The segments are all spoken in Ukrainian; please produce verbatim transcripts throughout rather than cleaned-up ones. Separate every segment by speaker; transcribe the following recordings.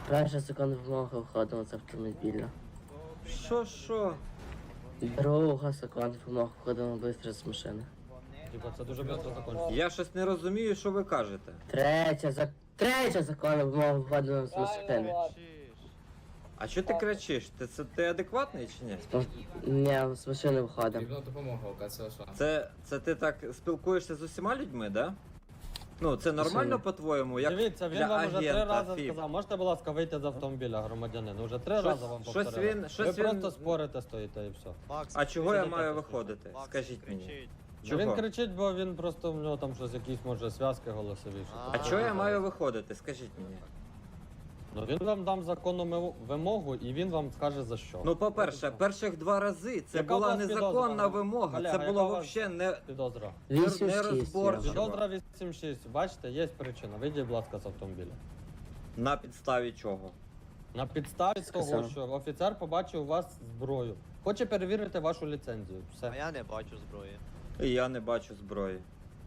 Speaker 1: Перший закон вимоги входимо з автомобіля.
Speaker 2: Що, що?
Speaker 1: Друга закон вимоги входимо швидко з машини.
Speaker 3: Типа, це дуже швидко закінчиться.
Speaker 2: Я щось не розумію, що ви кажете.
Speaker 1: Третя, за... Третя закон вимоги входимо з машини.
Speaker 2: А що ти кричиш? Ти, це, ти адекватний чи ні?
Speaker 1: Ні, з машини виходимо.
Speaker 4: Потрібна допомога, оказує, що.
Speaker 2: Це, це ти так спілкуєшся з усіма людьми, да? Ну, це нормально по-твоєму, як
Speaker 3: Дивіться, він
Speaker 2: для
Speaker 3: вам уже три
Speaker 2: агента
Speaker 3: рази
Speaker 2: ФІБ?
Speaker 3: сказав, можете, будь ласка, вийти з автомобіля, громадянин. Уже три
Speaker 2: Щось-
Speaker 3: рази вам
Speaker 2: щось
Speaker 3: повторили.
Speaker 2: він-
Speaker 3: Ви
Speaker 2: щось він-
Speaker 3: просто спорите стоїте і все.
Speaker 2: А чого я
Speaker 3: Сидите
Speaker 2: маю
Speaker 3: тут.
Speaker 2: виходити?
Speaker 5: Макс,
Speaker 2: Скажіть мені.
Speaker 5: кричить.
Speaker 3: Чого? Він
Speaker 2: Чого?
Speaker 3: кричить, бо він просто в нього там щось якісь, може, зв'язки голосові. що
Speaker 2: А
Speaker 3: таке.
Speaker 2: чого я маю виходити? Скажіть мені.
Speaker 3: Ну він вам дам законну мив- вимогу і він вам скаже за що.
Speaker 2: Ну, по-перше, перших два рази це
Speaker 3: Яка у
Speaker 2: була
Speaker 3: вас
Speaker 2: незаконна
Speaker 3: підозра?
Speaker 2: вимога.
Speaker 3: Олег,
Speaker 2: Це
Speaker 3: яка
Speaker 2: було
Speaker 3: у вас
Speaker 2: взагалі не...
Speaker 3: Підозра.
Speaker 1: Вісім
Speaker 2: Не
Speaker 1: шість.
Speaker 2: розборчиво.
Speaker 3: Підозра вісім шість. Бачите, є причина. Вийдіть, будь ласка, з автомобіля.
Speaker 2: На підставі чого?
Speaker 3: На підставі того,
Speaker 1: Сказав.
Speaker 3: що офіцер побачив у вас зброю. Хоче перевірити вашу ліцензію.
Speaker 5: А
Speaker 3: Все.
Speaker 5: я не бачу зброї.
Speaker 2: І я не бачу зброї.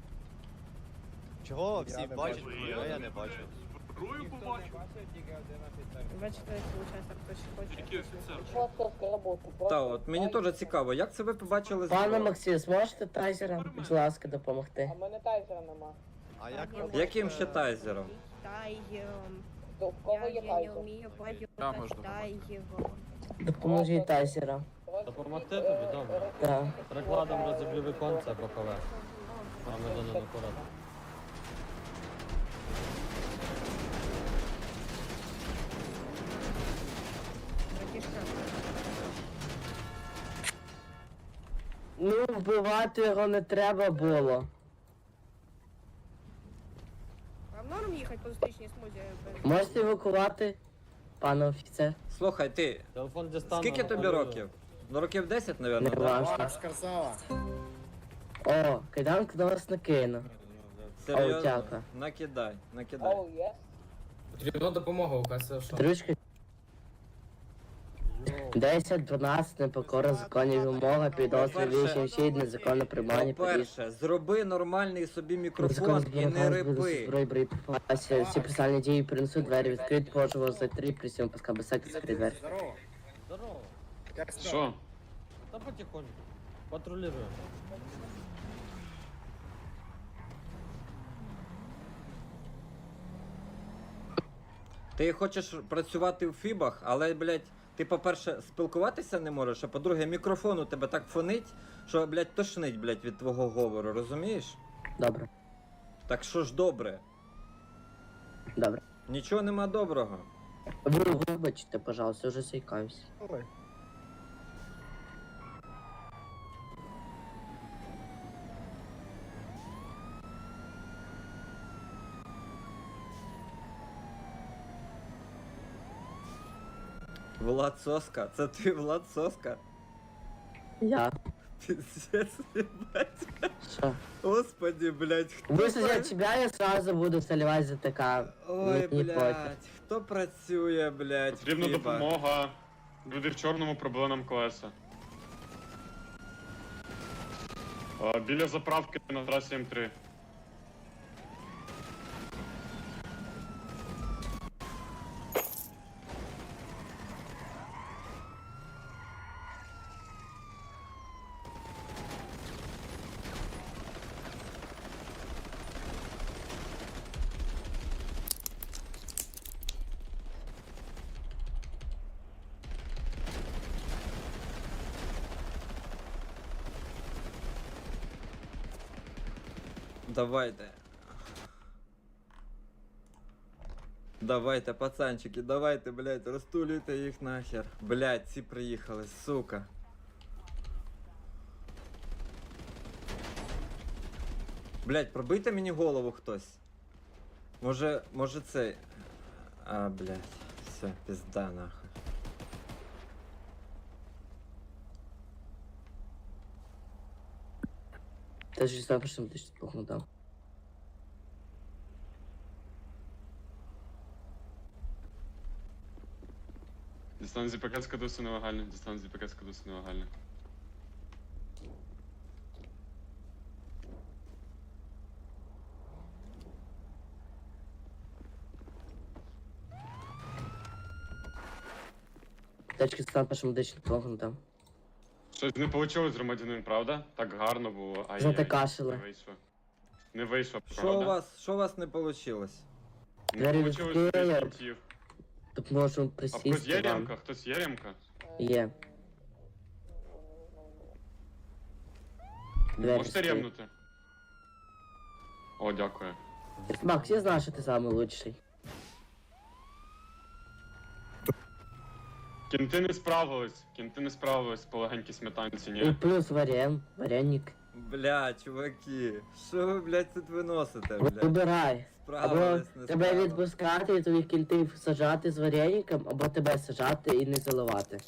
Speaker 5: Чого всі бачать зброю, а я не бачу.
Speaker 6: Зброю побачив.
Speaker 7: Бачите, виходить, хтось хоче.
Speaker 6: Який офіцер?
Speaker 2: Та от мені теж цікаво, як це ви побачили
Speaker 1: Пане
Speaker 2: зброю?
Speaker 1: Максим, зможете тайзером, будь ласка, допомогти?
Speaker 5: А як
Speaker 2: Яким ще тайзером?
Speaker 7: Тайгером.
Speaker 8: В кого
Speaker 7: Я,
Speaker 8: є
Speaker 7: я не
Speaker 8: тайзер?
Speaker 7: вмію
Speaker 6: Я
Speaker 7: поділити
Speaker 6: можу
Speaker 7: з тайгером.
Speaker 1: Допоможіть тайзером.
Speaker 3: Допомогти тобі, добре.
Speaker 1: Так.
Speaker 3: Прикладом розіб'ю віконце бокове. Громадянин акуратно.
Speaker 7: Братішка,
Speaker 1: Ну, вбивати його не треба було.
Speaker 7: вам норм їхати по зустрічній смузі?
Speaker 1: Можете евакувати, пане офіцер?
Speaker 2: Слухай, ти,
Speaker 3: Телефон дістану.
Speaker 2: скільки тобі
Speaker 3: напалюю.
Speaker 2: років? Ну, років десять,
Speaker 1: Не
Speaker 2: мабуть, да?
Speaker 1: важно. О, кайданку на вас накину. О,
Speaker 2: Серйозно?
Speaker 1: дякую.
Speaker 2: Накидай, накидай.
Speaker 8: Оу, є?
Speaker 4: Потрібна допомога, оказує, що.
Speaker 1: Дружки. десять, дванадцять, непокора законів вимога, підозри вісім, шість, незаконне приймання, поріж.
Speaker 2: По-перше, зроби нормальний собі мікрофон
Speaker 1: Незаконне
Speaker 2: і не
Speaker 1: зберігання
Speaker 2: рипи.
Speaker 1: зброї, боєприпасів, всі персональні дії принесуть, двері відкриті, поживо за три, присім, паска, безпеки, закрити двері.
Speaker 3: Здорово.
Speaker 6: Що?
Speaker 3: Та потихоньку. Патрулюємо.
Speaker 2: Ти хочеш працювати в фібах, але, блядь, ти, по-перше, спілкуватися не можеш, а по-друге, мікрофон у тебе так фонить, що, блядь, тошнить, блядь, від твого говору, розумієш?
Speaker 1: Добре,
Speaker 2: Так що ж добре?
Speaker 1: добре.
Speaker 2: Нічого нема доброго.
Speaker 1: Ви вибачте, пожалуйста, вже заїкаюсь.
Speaker 2: Влад Соска, це ти Влад Соска?
Speaker 1: Я.
Speaker 2: Пиздец, ебать.
Speaker 1: Що?
Speaker 2: Господи, блядь, хто
Speaker 1: Вислухай
Speaker 2: пра-
Speaker 1: тебя, я сразу буду заливать за ТК.
Speaker 2: Ой,
Speaker 1: Не проти.
Speaker 2: блядь, хто працює, блядь, в
Speaker 6: Потрібна
Speaker 2: фібах?
Speaker 6: допомога. Люди в чорному пробили нам колеса. А, біля заправки на трасі М три.
Speaker 2: Давайте. Давайте, пацанчики, давайте, блядь, розтулюйте їх нахер. Блядь, ці приїхали, сука. Блядь, пробийте мені голову хтось. Може, може цей. А, блядь, все, пизда нахуй.
Speaker 1: Ты же сам что ты что похудал.
Speaker 6: Дістан зі пакет скадуси нелегально. Дістан зі пакет скадуси нелегально.
Speaker 1: Течки стан першим медичним допомогу там.
Speaker 6: Щось не вийшло з громадянин, правда? Так гарно було. Ай,
Speaker 1: Зате кашеле.
Speaker 6: Не вийшло. Не вийшло,
Speaker 2: Що у
Speaker 6: правда?
Speaker 2: вас, що у вас не вийшло?
Speaker 6: Не
Speaker 1: Двері
Speaker 6: вийшло з
Speaker 1: відкрили.
Speaker 6: кінців.
Speaker 1: Тут можемо
Speaker 6: А хтось є
Speaker 1: присісти вам.
Speaker 6: ремка? Хтось є ремка?
Speaker 1: Є. Двері
Speaker 6: Можете
Speaker 1: відкрили.
Speaker 6: ремнути? О, дякую.
Speaker 1: Макс, я знаю, що ти самий лучший.
Speaker 6: Кінти не справились. Кінти не справились по легенькій сметанці,
Speaker 1: І
Speaker 6: ні.
Speaker 1: плюс варен, варенник.
Speaker 2: Бля, чуваки, що ви, блядь, тут виносите, блядь?
Speaker 1: Вибирай. Або
Speaker 2: Справились, не
Speaker 1: тебе
Speaker 2: справились.
Speaker 1: відпускати і твоїх кінтів сажати з вареником, або тебе сажати і не заливати.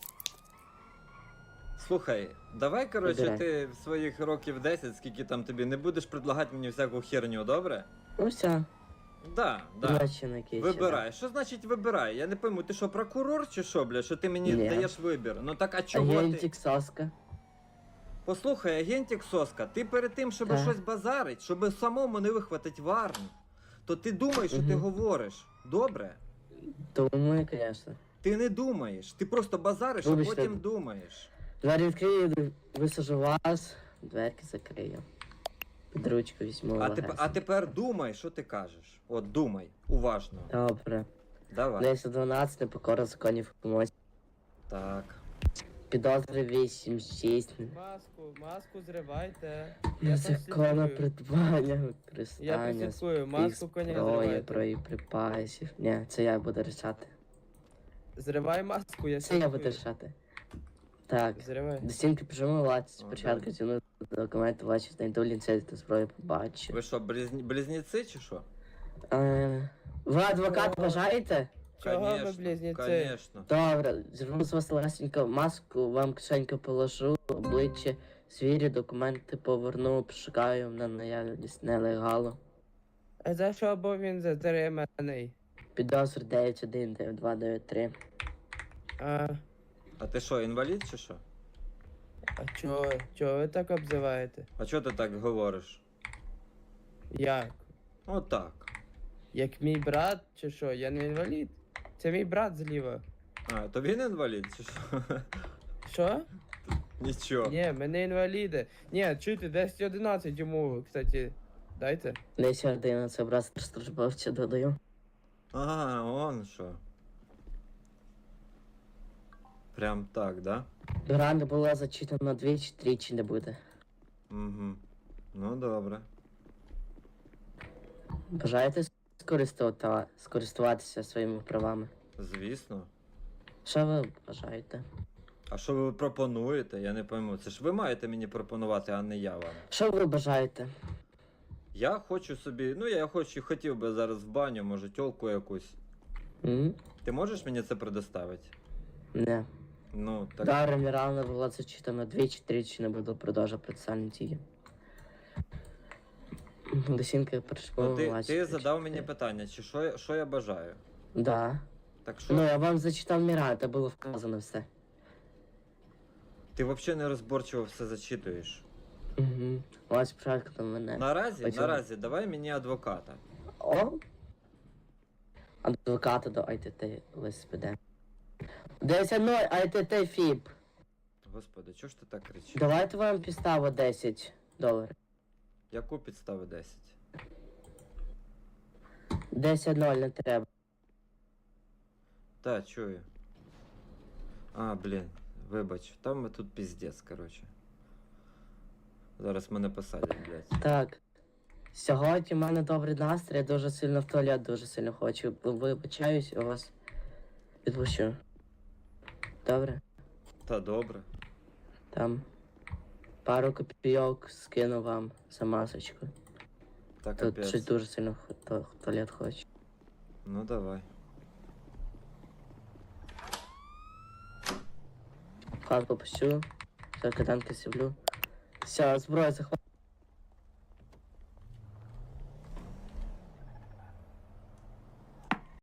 Speaker 2: Слухай, давай, коротше,
Speaker 1: Вибирай.
Speaker 2: ти в своїх років десять, скільки там тобі, не будеш предлагати мені всяку херню, добре?
Speaker 1: Ну все,
Speaker 2: Да, да.
Speaker 1: бачи на кейсі.
Speaker 2: Вибирай. Що значить вибирай? Я не пойму, ти що, прокурор чи що, бля, що ти мені
Speaker 1: Ні.
Speaker 2: даєш вибір? Ну так а чого ти?
Speaker 1: Агентик Соска.
Speaker 2: Послухай, агентик Соска, ти перед тим, щоб
Speaker 1: Так.
Speaker 2: щось базарить, щоб самому не вихватить варну, то ти думаєш, що ти
Speaker 1: Мгм.
Speaker 2: говориш. Добре?
Speaker 1: Думаю, звісно.
Speaker 2: Ти не думаєш, ти просто базариш, а
Speaker 1: Вибачте.
Speaker 2: потім думаєш.
Speaker 1: Двері відкрию, висажу вас, дверки закрию. Під ручку візьму.
Speaker 2: А, теп- а
Speaker 1: легесенько.
Speaker 2: тепер думай, що ти кажеш. От думай, уважно.
Speaker 1: Добре.
Speaker 2: Давай.
Speaker 1: десять дванадцять, непокора законів помочь.
Speaker 2: Так.
Speaker 1: Підозри вісім шість.
Speaker 8: Маску, маску зривайте.
Speaker 1: Незаконне
Speaker 8: прослідкую.
Speaker 1: придбання,
Speaker 8: Я
Speaker 1: використання
Speaker 8: прослідкую, маску коня
Speaker 1: зброї,
Speaker 8: зривайте.
Speaker 1: боєприпасів. Ні, це я буду рішати.
Speaker 8: Зривай маску, я
Speaker 1: Це я буду
Speaker 8: слідкую.
Speaker 1: рішати. Так.
Speaker 8: Зривай.
Speaker 1: До стінки піжому лаці.
Speaker 2: О,
Speaker 1: Спочатку
Speaker 2: да.
Speaker 1: ціну документи бачу, знайду ліцензію та зброю побачу.
Speaker 2: Ви що, близні... близнеці чи що?
Speaker 1: Е, Ви адвокат бажаєте?
Speaker 8: Чого ви
Speaker 2: Конечно,
Speaker 8: близнюці?
Speaker 2: Конечно.
Speaker 1: Добре, зірву з вас легесенько маску, вам кишеньку положу, обличчя, звірю, документи поверну, пошукаю на наявність нелегалу.
Speaker 8: А за що був він затриманий?
Speaker 1: Підозр дев'ять один дев'ять два дев'ять три.
Speaker 8: А,
Speaker 2: А ти що, інвалід чи що?
Speaker 8: а чого? Чого ви так обзиваєте?
Speaker 2: А чого ти так говориш?
Speaker 8: Як?
Speaker 2: Отак.
Speaker 8: Як мій брат чи що? Я не інвалід. Це мій брат зліва.
Speaker 2: А, то він інвалід чи що?
Speaker 8: Що?
Speaker 2: Нічого.
Speaker 8: Ні, ми не інваліди. Ні, чуйте, десять одинадцять йому, кстати. Дайте.
Speaker 1: десять одинадцять образ службовця додаю.
Speaker 2: А, он що. Прям так, да?
Speaker 1: Гра не була зачитана двічі, тричі не буде.
Speaker 2: Угу. Ну добре.
Speaker 1: Бажаєте скористувати, скористуватися своїми правами?
Speaker 2: Звісно.
Speaker 1: Що ви бажаєте?
Speaker 2: А що ви пропонуєте? Я не пойму. Це ж ви маєте мені пропонувати, а не я вам.
Speaker 1: Що ви бажаєте?
Speaker 2: Я хочу собі. Ну я хочу, хотів би зараз в баню, може, тьолку якусь.
Speaker 1: М?
Speaker 2: Ти можеш мені це предоставити?
Speaker 1: Не.
Speaker 2: Ну, так.
Speaker 1: Дара Мірана була зачитана двічі, тричі не буду продовжувати процесуальні дії. Досінка
Speaker 2: Ну, ти, ти задав мені питання, чи що, я- що я бажаю.
Speaker 1: Да.
Speaker 2: Так що
Speaker 1: Ну, я вам зачитав Міран, це було вказано все.
Speaker 2: ти взагалі не розборчиво все зачитуєш.
Speaker 1: Угу. Ось спочатку до мене.
Speaker 2: Наразі,
Speaker 1: Почему?
Speaker 2: наразі, давай мені адвоката.
Speaker 1: О! Адвоката до ай ти ти ЛСПД. десять нуль ай ти ти ФІП.
Speaker 2: Господи, чого ж ти так кричиш?
Speaker 1: Давайте вам підставу десять доларів.
Speaker 2: Яку підстави десять?
Speaker 1: десять ноль не треба.
Speaker 2: Та, чую. А, блін, вибач, там ми тут піздець, коротше. Зараз мене посадять, блядь.
Speaker 1: Так. Сьогодні в мене добрий настрій, я дуже сильно в туалет дуже сильно хочу. Вибачаюсь, я вас відпущу. Добре?
Speaker 2: Та добре.
Speaker 1: Там пару копійок скину вам за масочку.
Speaker 2: Та
Speaker 1: Тут
Speaker 2: капець.
Speaker 1: щось дуже сильно в ту- в туалет хочу.
Speaker 2: Ну давай.
Speaker 1: Хатку пущу, все, катанки сіблю. Все, зброю захват.